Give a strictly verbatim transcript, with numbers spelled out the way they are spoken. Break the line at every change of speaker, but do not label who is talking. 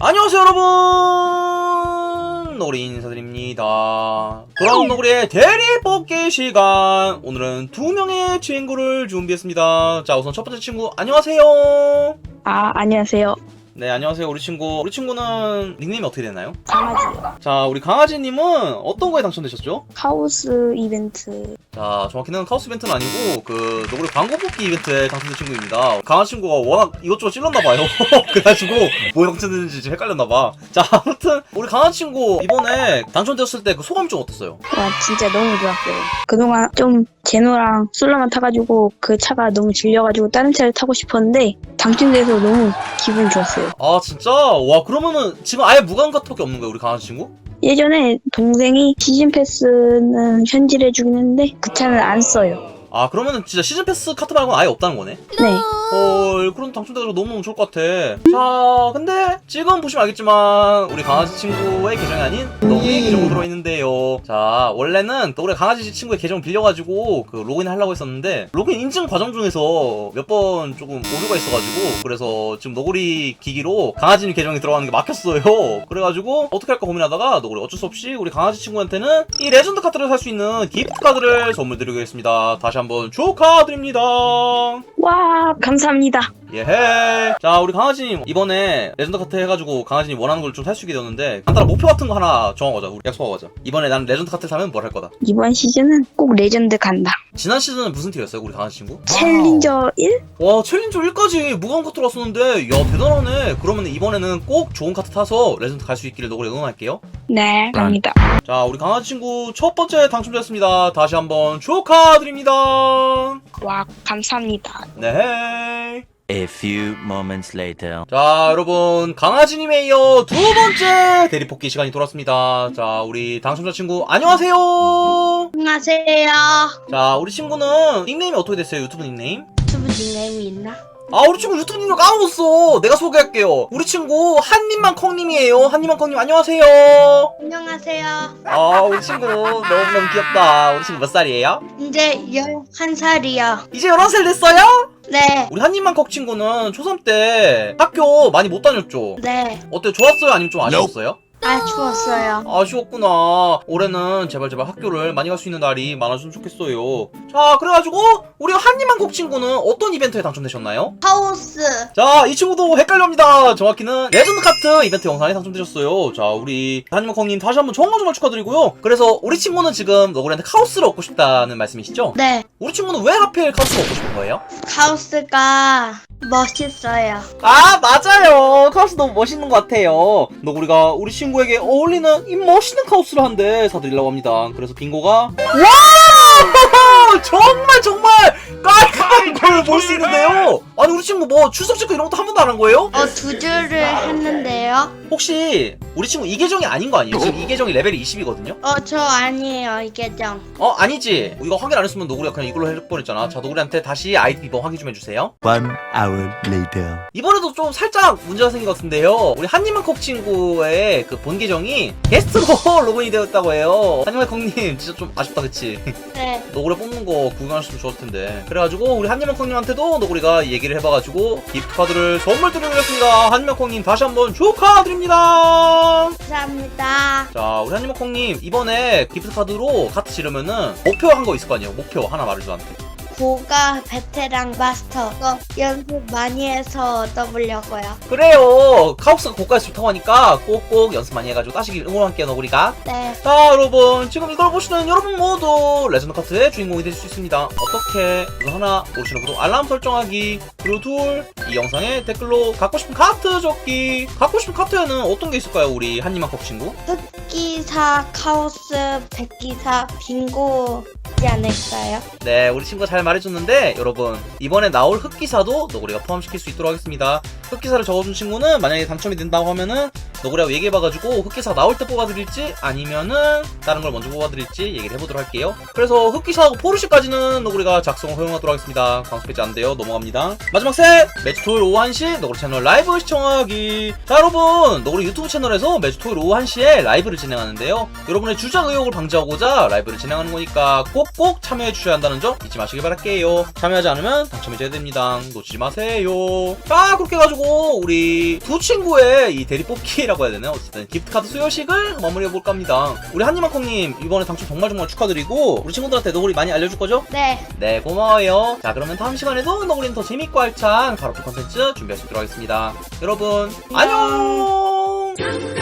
안녕하세요 여러분, 노구리 인사드립니다. 돌아온 노구리의 대리 뽑기 시간. 오늘은 두 명의 친구를 준비했습니다. 자, 우선 첫 번째 친구 안녕하세요.
아, 안녕하세요.
네, 안녕하세요. 우리 친구 우리 친구는 닉네임이 어떻게 되나요?
강아지요.
자, 우리 강아지님은 어떤 거에 당첨되셨죠?
카오스 이벤트.
자, 정확히는 카오스 이벤트는 아니고 그 노구리 광고 뽑기 이벤트에 당첨된 친구입니다. 강아지 친구가 워낙 이것저것 찔렀나봐요. 그래가지고 뭐에 당첨됐는지 지금 헷갈렸나봐. 자, 아무튼 우리 강아지 친구 이번에 당첨되었을 때 그 소감이 좀 어땠어요?
와, 진짜 너무 좋았어요. 그동안 좀 제노랑 솔로만 타가지고 그 차가 너무 질려가지고 다른 차를 타고 싶었는데 당첨돼서 너무 기분 좋았어요.
아, 진짜? 와, 그러면은 지금 아예 무관 카톡이 없는 거예요, 우리 강아지 친구?
예전에 동생이 시즌 패스는 현질해주긴 했는데 그 차는 안 써요.
아, 그러면은 진짜 시즌 패스 카트 말고는 아예 없다는 거네?
네.
헐, 그럼 당첨돼가지고 너무너무 좋을 것 같아. 자, 근데 지금 보시면 알겠지만 우리 강아지 친구의 계정이 아닌 너구리의 계정으로 들어있는데요. 자, 원래는 너구리 강아지 친구의 계정 빌려가지고 그 로그인 하려고 했었는데 로그인 인증 과정 중에서 몇 번 조금 오류가 있어가지고 그래서 지금 너구리 기기로 강아지 계정이 들어가는 게 막혔어요. 그래가지고 어떻게 할까 고민하다가 너구리 어쩔 수 없이 우리 강아지 친구한테는 이 레전드 카드를 살 수 있는 기프트 카드를 선물 드리겠습니다. 다시 한번 축하드립니다.
와, 감사합니다.
예헤. 자, 우리 강아지님 이번에 레전드 카트 해가지고 강아지님 원하는 걸 좀 살 수 있게 되었는데 간단한 목표 같은 거 하나 정하고 가자. 우리 약속하고 가자. 이번에 난 레전드 카트를 사면 뭘 할 거다.
이번 시즌은 꼭 레전드 간다.
지난 시즌은 무슨 티어였어요, 우리 강아지 친구?
챌린저 일?
와, 챌린저 일까지 무관 카트로 왔었는데 야, 대단하네. 그러면 이번에는 꼭 좋은 카트 타서 레전드 갈 수 있기를 너구리 응원할게요.
네, 갑니다.
자, 우리 강아지 친구 첫 번째 당첨되었습니다. 다시 한번 축하드립니다.
와, 감사합니다.
네.
A few moments later.
자, 여러분, 강아지님에 이어 두 번째 대리뽑기 시간이 돌아왔습니다. 자, 우리 당첨자 친구 안녕하세요.
안녕하세요.
자, 우리 친구는 닉네임이 어떻게 됐어요? 유튜브 닉네임?
유튜브 닉네임이 있나?
아, 우리 친구 유튜브 닉네임 까먹었어. 내가 소개할게요. 우리 친구 한님만 콩님이에요. 한님만 콩님 안녕하세요.
안녕하세요.
아, 우리 친구 너무너무 귀엽다. 우리 친구 몇 살이에요?
이제 열한 살이요.
이제 열한 살 됐어요?
네.
우리 한님만 콩 친구는 초삼 때 학교 많이 못 다녔죠?
네.
어때요? 좋았어요? 아니면 좀 아쉬웠어요?
아, 추웠어요.
아쉬웠구나. 올해는 제발 제발 학교를 많이 갈 수 있는 날이 많아졌으면 좋겠어요. 자, 그래가지고 우리 한님한국 친구는 어떤 이벤트에 당첨되셨나요?
하우스.
자, 이 친구도 헷갈려합니다. 정확히는 레전드 카트 이벤트 영상에 당첨되셨어요. 자, 우리 한님한국님 다시 한번 정말 정말 축하드리고요. 그래서 우리 친구는 지금 너구리한테 카오스를 얻고 싶다는 말씀이시죠?
네.
우리 친구는 왜 하필 카오스를 얻고 싶은 거예요?
하우스가 멋있어요.
아, 맞아요. 카오스 너무 멋있는 것 같아요. 너구리가 우리 친구에게 어울리는 이 멋있는 카오스를 한 대 사드리려고 합니다. 그래서 빙고가 와! 정말 정말 깔끔한 걸 볼 수 있는데요. 아니, 우리 친구 뭐 출석 체크 이런 것도 한 번도 안 한 거예요?
어, 두 줄을 했는데요.
혹시 우리 친구 이 계정이 아닌 거 아니에요? 지금 이 계정이 레벨이 이십이거든요?
어, 저 아니에요, 이 계정.
어, 아니지. 이거 확인 안 했으면 너구리가 그냥 이걸로 할 뻔했잖아. 자, 너구리한테 다시 아이디 비번 확인 좀 해주세요.
One hour later.
이번에도 좀 살짝 문제가 생긴 것 같은데요. 우리 한님한콕 친구의 그 본 계정이 게스트로 로그인이 되었다고 해요. 한님한콕님 진짜 좀 아쉽다, 그치?
네.
너구리 뽑는 거 구경하셨으면 좋았을 텐데. 그래가지고 우리 한님한콕님한테도 너구리가 얘기를 해봐가지고 기프트 카드를 선물 드리겠습니다. 한님한콕님 다시 한번 축하드립니다.
감사합니다.
자, 우리 한님한콕님 이번에 기프트 카드로 카트 지르면은 목표 한 거 있을 거 아니에요? 목표 하나 말해줘, 나한테.
고가 베테랑 마스터. 어, 연습 많이 해서 얻어보려고요.
그래요. 카오스가 고가에서 좋다고 하니까 꼭꼭 연습 많이 해가지고 따시길 응원할게요, 너구리가.
네.
자, 여러분, 지금 이걸 보시는 여러분 모두 레전드 카트의 주인공이 되실 수 있습니다. 어떻게? 우선 하나, 모르시는 구독 알람 설정하기. 그리고 둘, 이 영상에 댓글로 갖고 싶은 카트 적기. 갖고 싶은 카트에는 어떤 게 있을까요, 우리 한님한컵 친구?
흑기사, 카오스, 백기사, 빙고지 않을까요?
네, 우리 친구가 잘 말해줬는데 여러분, 이번에 나올 흑기사도 너구리가 포함시킬 수 있도록 하겠습니다. 흑기사를 적어준 친구는 만약에 당첨이 된다고 하면은 너구리하고 얘기해봐가지고 흑기사가 나올 때 뽑아드릴지 아니면은 다른 걸 먼저 뽑아드릴지 얘기를 해보도록 할게요. 그래서 흑기사하고 포르쉐까지는 너구리가 작성을 허용하도록 하겠습니다. 광수 배지 안 돼요. 넘어갑니다. 마지막 셋! 매주 토요일 오후 한 시 너구리 채널 라이브 시청하기. 자, 여러분, 너구리 유튜브 채널에서 매주 토요일 오후 한 시에 라이브를 진행하는데요. 여러분의 주작 의혹을 방지하고자 라이브를 진행하는 거니까 꼭꼭 참여해주셔야 한다는 점 잊지 마시길 바랄게요. 참여하지 않으면 당첨이 됩니다. 놓치지 마세요. 자, 그렇게 해가지고 우리 두 친구의 이 대리 뽑기라고 해야 되나요? 어쨌든 기프트카드 수여식을 마무리해볼까 합니다. 우리 한니만콩님 이번에 당첨 정말 정말 축하드리고 우리 친구들한테 너구리 많이 알려줄 거죠?
네.
네, 고마워요. 자, 그러면 다음 시간에도 너구리는 더 재밌고 알찬 가로프 컨텐츠 준비할 수 있도록 하겠습니다. 여러분, 안녕!